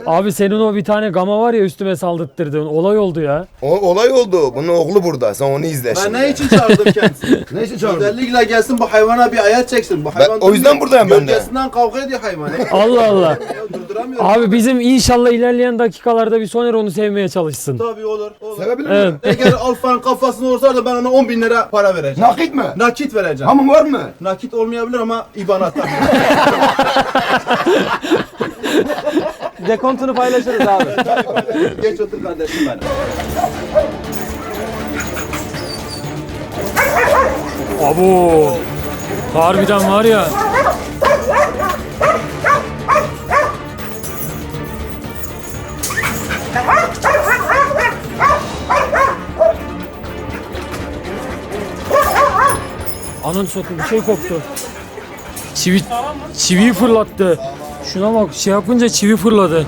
Abi senin o bir tane gama var ya üstüme saldırttırdığın olay oldu ya. O olay oldu. Bunun oğlu burada. Sen onu izle Ben şimdi. ne için çağırdım kendisini? Ne için çağırdın? Özellikle gelsin bu hayvana bir ayar çeksin. Bu hayvan o yüzden buradayım ben de. Gölgesinden kavga ediyor hayvan. Allah Allah. Ya durduramıyorum. Abi bizim inşallah ilerleyen dakikalarda bir Soner onu sevmeye çalışsın. Tabii olur. Sevebilir Evet. mi? Eğer Alfa'nın kafasını olsa da ben ona 10.000 lira para vereceğim. Nakit mi? Nakit vereceğim. Hamın var mı? Nakit olmayabilir ama IBAN atar. Dekontunu paylaşırız abi. Geç otur kardeşim benim. Abo. Harbiden var ya. Anın satayım bir şey koptu. Çiviyi fırlattı. Şuna bak şey yapınca çivi fırladı.